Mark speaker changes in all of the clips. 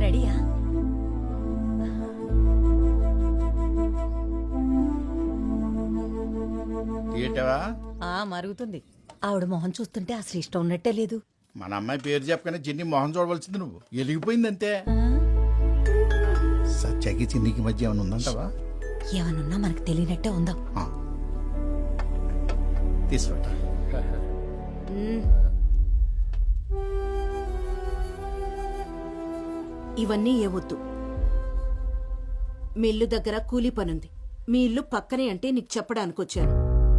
Speaker 1: రెడీయా?
Speaker 2: ఏంటవా?
Speaker 1: మరుగుతుంది. ఆవిడ మొహం చూస్తుంటే అసలు ఇష్టం ఉన్నట్టే లేదు.
Speaker 2: మన అమ్మాయి పేరు చెప్పగానే చిన్ని మొహం చూడవలసింది నువ్వు. ఎలిగిపోయింది అంతే. సత్యాకి చిన్నికి మధ్య ఏమైనా ఉందంటవా?
Speaker 1: ఏమనున్నా మనకు తెలియనట్టే ఉందాం.
Speaker 2: తీసుకుంటా.
Speaker 3: ఇవన్నీ ఏవొద్దు. మీ ఇల్లు దగ్గర కూలీ పనుంది. మీ ఇల్లు పక్కనే అంటే నీకు చెప్పడానికి వచ్చాను.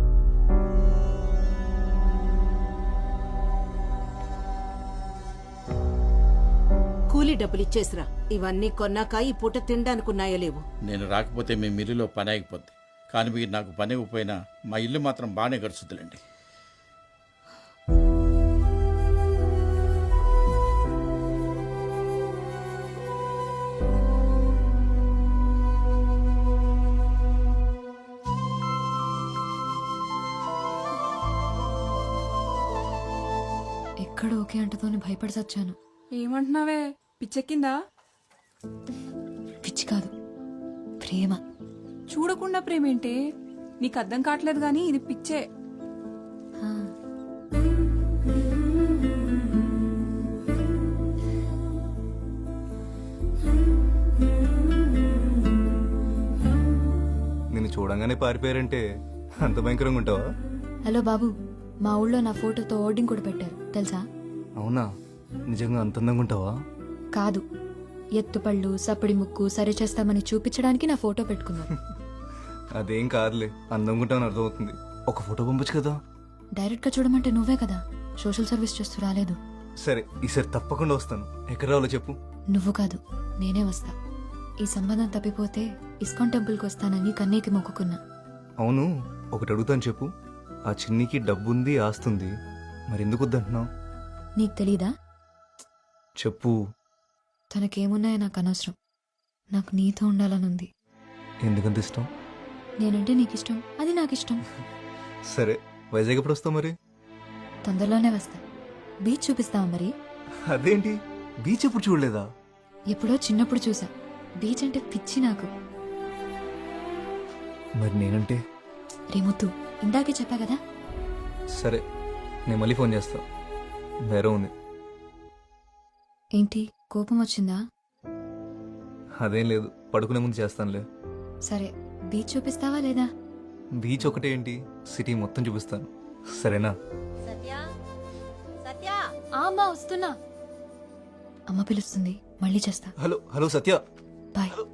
Speaker 3: కూలీ డబ్బులు ఇచ్చేసిరా. ఇవన్నీ కొన్నాక ఈ పూట తినడానికి ఉన్నాయో లేవు.
Speaker 2: నేను రాకపోతే మీ మిల్లులో పని ఆగిపోద్ది. కానీ మీరు నాకు పని ఇవ్వకపోయినా మా ఇల్లు మాత్రం బాగానే గడుచుద్దులండి.
Speaker 4: ఎక్కడ ఓకే అంటతోని భయపడి సచ్చాను.
Speaker 5: ఏమంటున్నావే? పిచ్చెక్కిందా?
Speaker 4: పిచ్చి కాదు, ప్రేమ.
Speaker 5: చూడకుండా ప్రేమేంటే? నీకు అర్థం కావట్లేదు గాని ఇది పిచ్చే.
Speaker 4: ఆ.
Speaker 6: నిన్ను చూడంగానే పారిపోయారంటే అంత భయంకరంగా ఉంటావా?
Speaker 4: హలో బాబు, మా ఊళ్ళో నా ఫోటోతో ఓర్డింగ్ కూడా పెట్టారు తెలుసా?
Speaker 6: అవునా? నిజంగా అంత అందంగా ఉంటావా?
Speaker 4: కాదు, ఎత్తుపళ్ళు సప్పడి ముక్కు సరి చేస్తామని చూపించడానికి నా ఫోటో పెట్టుకున్నాను.
Speaker 6: అదేం కాదులే, అందంగా ఉంటావని అర్థమవుతుంది. ఒక ఫోటో పంపొచ్చు కదా.
Speaker 4: డైరెక్ట్ గా చూడమంటే నువ్వే కదా సోషల్ సర్వీస్ చేస్తూ రాలేదు.
Speaker 6: సరే, ఈసారి తప్పకుండా వస్తాను. ఎక్కడ రావాలో చెప్పు.
Speaker 4: నువ్వు కాదు, నేనే వస్తా. ఈ సంబంధం తప్పిపోతే ఇస్కాన్ టెంపుల్కి వస్తానని కన్నీకి మొక్కుకున్నా.
Speaker 6: అవును, ఒకటి అడుగుతాను చెప్పు. ఆ చిన్నికి డబ్బుంది, ఆస్తుంది, మరి ఎందుకు వద్దంటున్నావు?
Speaker 4: నీకు తెలీదా?
Speaker 6: చెప్పు.
Speaker 4: తనకేమున్నాయో నాకు అనవసరం. నాకు నీతో ఉండాలనుంది.
Speaker 6: ఎందుకంత ఇష్టం?
Speaker 4: నేనంటే నీకు ఇష్టం, అది నాకు ఇష్టం.
Speaker 6: సరే, వైజాగ్ ఎప్పుడు వస్తావు మరి?
Speaker 4: తొందరలోనే వస్తా. బీచ్ చూపిస్తావా మరి?
Speaker 6: అదేంటి, బీచ్ ఎప్పుడు చూడలేదా?
Speaker 4: ఎప్పుడో చిన్నప్పుడు చూసా. బీచ్ అంటే పిచ్చి నాకు.
Speaker 6: మరి నేనంటే?
Speaker 4: రేముద్దు, ఇందాకే చెప్పా కదా.
Speaker 6: సరే, నేను మళ్ళీ ఫోన్ చేస్తా. వేరే ఉంది.
Speaker 4: ఏంటి, కోపం వచ్చిందా?
Speaker 6: అదేం లేదు, పడుకునే ముందు చేస్తానులే.
Speaker 4: సరే, బీచ్ చూపిస్తావా లేదా?
Speaker 6: బీచ్ ఒకటే ఏంటి, సిటీ మొత్తం చూపిస్తాను. సరేనా?
Speaker 4: అమ్మా వస్తున్నా. అమ్మ పిలుస్తుంది, మళ్ళీ చేస్తా.
Speaker 6: Hello hello Satya.
Speaker 4: Bye.
Speaker 6: Hello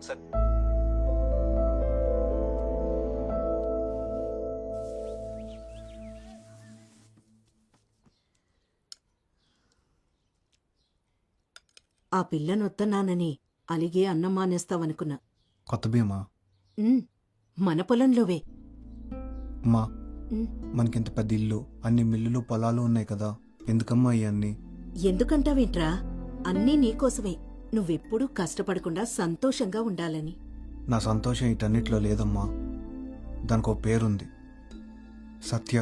Speaker 3: ఆ పిల్లనొత్తన్నానని అలిగే అన్నం మానేస్తావనుకున్నా.
Speaker 7: కొత్త భీమా
Speaker 3: మన పొలంలోవే.
Speaker 7: అమ్మా, మనకింత పెద్ద ఇల్లు, అన్ని మిల్లులు పొలాలు ఉన్నాయి కదా, ఎందుకమ్మా ఇవన్నీ?
Speaker 3: ఎందుకంటావేంట్రా? అన్నీ నీకోసమే. నువ్వెప్పుడూ కష్టపడకుండా సంతోషంగా ఉండాలని.
Speaker 7: నా సంతోషం ఇటన్నిటిలో లేదమ్మా. దానికి ఒక పేరుంది, సత్య.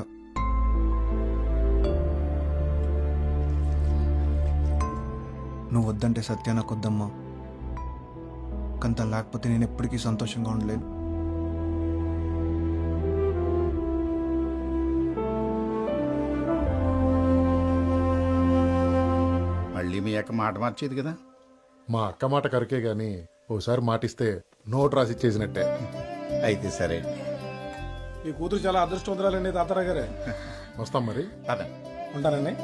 Speaker 7: నువ్వు వద్దంటే సత్య నాకు వద్దమ్మా. కంత లేకపోతే నేను ఎప్పటికీ సంతోషంగా ఉండలేను.
Speaker 2: మళ్ళీ మీ అక్క మాట మార్చేది కదా.
Speaker 8: మా అక్క మాట కరకే గాని ఓసారి మాటిస్తే నోట్ రాసి ఇచ్చేసినట్టే.
Speaker 2: అయితే సరే.
Speaker 9: ఈ కూతురు చాలా అదృష్టవంతురాలండి తాతారా గారే.
Speaker 8: వస్తాం మరి.
Speaker 2: అదే
Speaker 9: ఉంటానండి.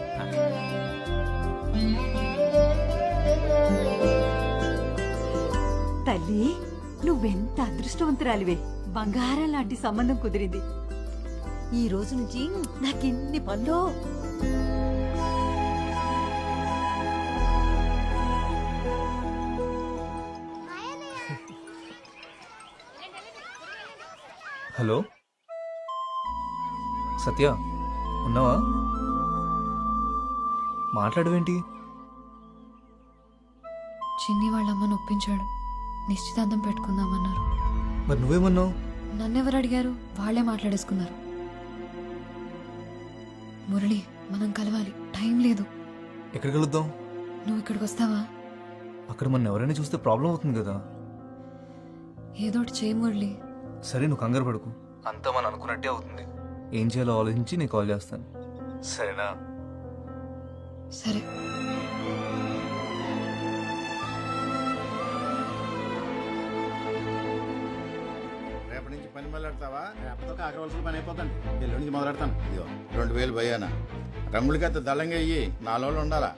Speaker 1: తల్లి, నువ్వెంత అదృష్టవంతురాలివే. బంగారం లాంటి సంబంధం కుదిరింది. ఈ రోజు నుంచి నాకెన్ని పనులు.
Speaker 6: హలో సత్య, ఉన్నావా? మాట్లాడవేంటి?
Speaker 4: చిన్ని వాళ్ళమ్మని ఒప్పించాడు. నిశ్చితార్థం పెట్టుకుందామన్నారు.
Speaker 6: మరి నువ్వేమన్నావు?
Speaker 4: నన్నెవరు అడిగారు? వాళ్లే మాట్లాడేసుకున్నారు. మురళి, మనం కలవాలి, టైం లేదు.
Speaker 6: ఎక్కడ కలుద్దాం?
Speaker 4: నువ్వు ఇక్కడికి వస్తావా?
Speaker 6: అక్కడ మన ఎవరైనా చూస్తే ప్రాబ్లం అవుతుంది కదా.
Speaker 4: ఏదో ఒకటి చేయి మురళి.
Speaker 6: సరే నువ్వు కంగారు పడుకు, అంతా మనం అనుకున్నట్టే అవుతుంది. ఏం చేయాలో ఆలోచించి నేను కాల్ చేస్తాను, సరేనా?
Speaker 4: సరే.
Speaker 2: రేపటి నుంచి పని మొదలెడతావా?
Speaker 9: రేపటితో కాకరవలసిన పని అయిపోతుంది. ఎల్లుండి నుంచి మొదలెడతాను.
Speaker 2: ఇదిగో 2000 భయ్యానా, రంగులకైతే దళంగా అయ్యి 4 రోజులు ఉండాలా.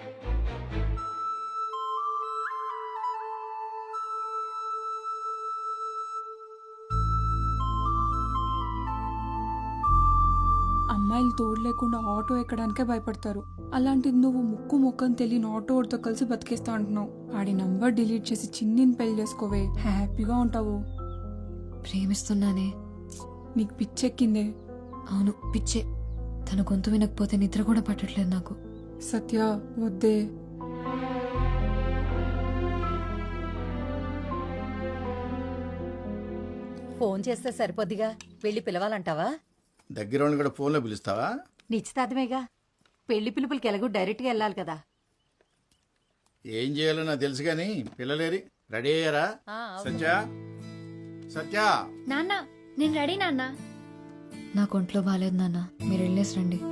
Speaker 5: అమ్మాయిలు తోడు లేకుండా ఆటో ఎక్కడానికే భయపడతారు. అలాంటిది నువ్వు ముక్కు ముక్కని తెలియని ఆటోడితో కలిసి బతికేస్తా అంటున్నావు. ఆడి నంబర్ డిలీట్ చేసి చిన్నిని పెళ్లి చేసుకోవే, హ్యాపీగా ఉంటావు.
Speaker 4: ప్రేమిస్తున్నానే.
Speaker 5: నీకు పిచ్చెక్కిందే.
Speaker 4: అవును, పిచ్చే. తన గొంతు వినకపోతే నిద్ర కూడా పట్టట్లేదు నాకు.
Speaker 5: సత్య వద్దే.
Speaker 1: ఫోన్ చేస్తే సరిపోద్దిగా, వెళ్ళి పిలవాలంటావా?
Speaker 2: దగ్గర వాళ్ళని కూడా ఫోన్లో పిలుస్తావా?
Speaker 1: నిశ్చితార్థమేగా, పెళ్లి పిలుపులకి ఎలాగో డైరెక్ట్గా వెళ్ళాలి కదా.
Speaker 2: ఏం చేయాలో నాకు తెలుసు కానీ పిల్లలేరి రెడీ అయ్యారా? సత్య, సత్య,
Speaker 4: నాన్న నేను రెడీ నాన్న. నాకు ఒంట్లో బాగాలేదు నాన్న, మీరు వెళ్ళేసి రండి.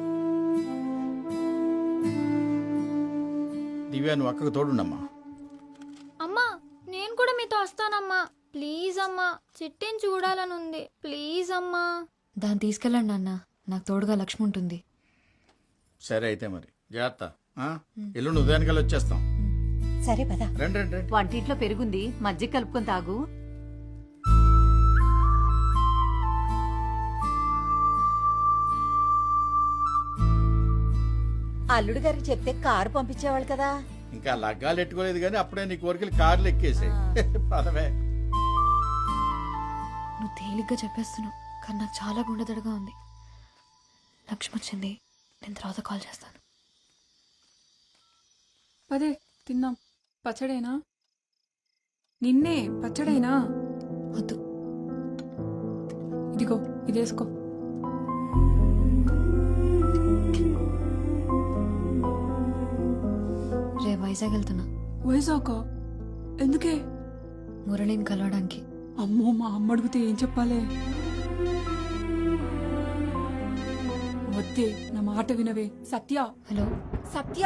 Speaker 2: దివ్యా నువ్వు అక్కకు తోడుండమ్మా.
Speaker 10: అమ్మా నేను కూడా మీతో వస్తానమ్మా. ప్లీజ్ అమ్మా, చిట్టిని చూడాలనుంది. ప్లీజ్ అమ్మా.
Speaker 4: దాన్ని తీసుకెళ్ళండి నాన్న, నాకు తోడుగా లక్ష్మి ఉంటుంది.
Speaker 2: సరే అయితే మరి జాగ్రత్త. ఎల్లుండి ఉదయానికల్లా వచ్చేస్తాం.
Speaker 1: సరే పద.
Speaker 2: రండి రండి రండి.
Speaker 1: వంటింట్లో పెరుగుంది, మజ్జిగ కలుపుకొని తాగు. అల్లుడు గారికి చెప్తే కారు పంపించేవాళ్ళు కదా.
Speaker 2: ఇంకా లగ్గాలు ఎట్టుకోలేదు కానీ అప్పుడే నీ కోరికలు కార్లు ఎక్కేసాయి. పదవే.
Speaker 4: నువ్వు తేలిగ్గా చెప్పేస్తున్నావు, కానీ నాకు చాలా గుండెదడగా ఉంది. లక్ష్మి వచ్చింది, నేను తర్వాత కాల్ చేస్తాను.
Speaker 5: పదే తిన్నాం. పచ్చడేనా? నిన్నే పచ్చడేనా?
Speaker 4: వద్దు.
Speaker 5: ఇదిగో ఇదేసుకో.
Speaker 4: రే వైజాగ్ వెళ్తున్నా.
Speaker 5: వైజాగ్ ఎందుకే?
Speaker 4: మురళిని కలవడానికి.
Speaker 5: అమ్మో, మా అమ్మ అడిగితే ఏం చెప్పాలే? వద్దే, నా మాట వినవే. సత్య,
Speaker 4: హలో
Speaker 5: సత్య,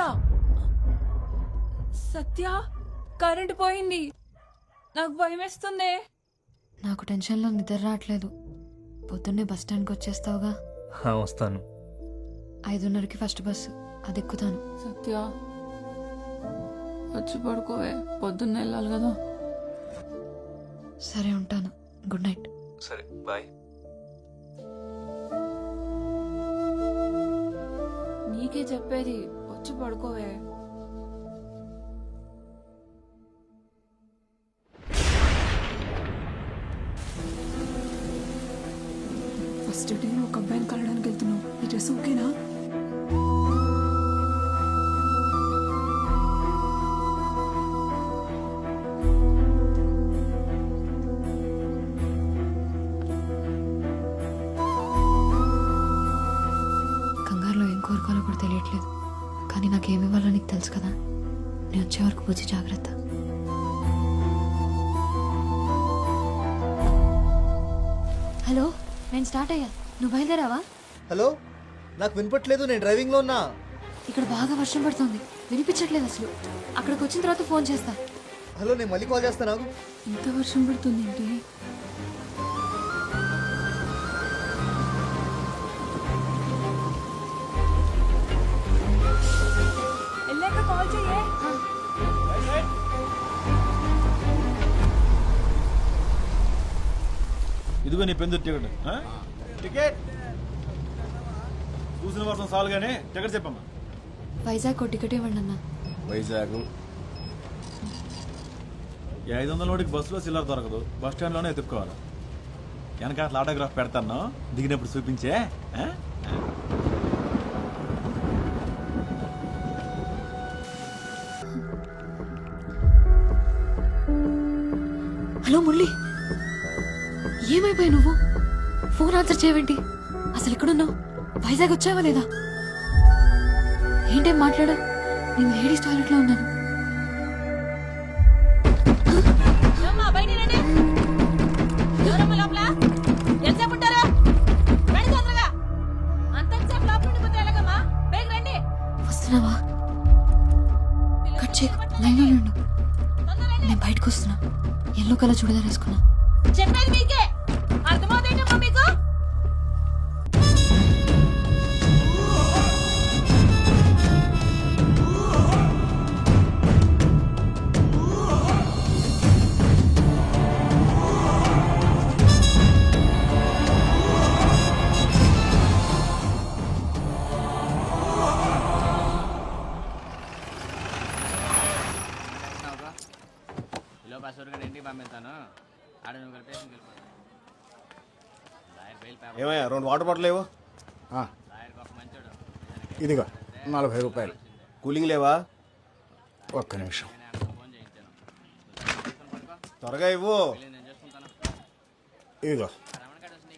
Speaker 5: సత్య, కరెంటు పోయింది. నాకు భయం వేస్తుంది.
Speaker 4: నాకు టెన్షన్లో నిద్ర రావట్లేదు. పొద్దున్నే బస్ స్టాండ్కి వచ్చేస్తావుగా?
Speaker 6: వస్తాను.
Speaker 4: 5:30కి ఫస్ట్ బస్సు, అది ఎక్కుతాను.
Speaker 5: సత్య వచ్చి పడుకోవే, పొద్దున్న వెళ్ళాలి కదా.
Speaker 4: సరే ఉంటాను, గుడ్ నైట్.
Speaker 6: సరే బాయ్.
Speaker 5: నీకే చెప్పేది, వచ్చి పడుకోవే. ఫస్ట్ డే ఒక అబ్బాయిని కలవడానికి వెళ్తున్నావు. ఈ డ్రెస్ ఓకేనా?
Speaker 4: కంగారులో ఏం కోరుకోవాలో కూడా తెలియట్లేదు, కానీ నాకేమి ఇవ్వాలో నీకు తెలుసు కదా. నేను వచ్చే వరకు పూజ జాగ్రత్త. హలో, నేను స్టార్ట్ అయ్యా, నువ్వు బయలుదేరావా?
Speaker 11: హలో, నాకు వినపట్లేదు, నేను డ్రైవింగ్లో ఉన్నా.
Speaker 4: ఇక్కడ బాగా వర్షం పడుతుంది, వినిపించట్లేదు అసలు. అక్కడికి వచ్చిన తర్వాత ఫోన్ చేస్తా.
Speaker 11: హలో, నేను మళ్ళీ కాల్ చేస్తాను.
Speaker 5: ఇంత వర్షం పడుతుంది ఏంటి? వెళ్ళాక కాల్ చెయ్యే.
Speaker 9: ఇదిగో నీ పెందు టికెట్. టికెట్ చూసిన వర్షం సాల్ గానే టికెట్ చెప్పమ్మా.
Speaker 4: వైజాగ్ టికెట్ ఇవ్వండి అన్న.
Speaker 9: వైజాగ్ 500 నోటికి బస్సులో చిల్లర దొరకదు, బస్ స్టాండ్లోనే ఎత్తుక్కోవాలి. వెనక అట్లా ఆటోగ్రాఫ్ పెడతాను, దిగినప్పుడు చూపించే.
Speaker 4: హలో మురళి, ఏమైపోయావు నువ్వు? ఫోన్ ఆన్సర్ చేయవేంటి? అసలు ఎక్కడున్నావు? వైజాగ్ వచ్చావా లేదా? ఏంటేం మాట్లాడా? నేను లేడీస్ టాయిలెట్లో ఉన్నాను. బయటకు వస్తున్నా ఎల్లో కలర్ చూడదా వేసుకున్నా.
Speaker 3: చెప్పేది మీకే అర్థమవుతుందమ్మా మీకు?
Speaker 11: ఏమయ్యా 2 వాటర్ బాటిల్ లేవు?
Speaker 12: ఇదిగో 40 రూపాయలు.
Speaker 11: కూలింగ్ లేవా?
Speaker 12: ఒక్క నిమిషం.
Speaker 11: త్వరగా ఇవ్వు.
Speaker 12: ఇదిగో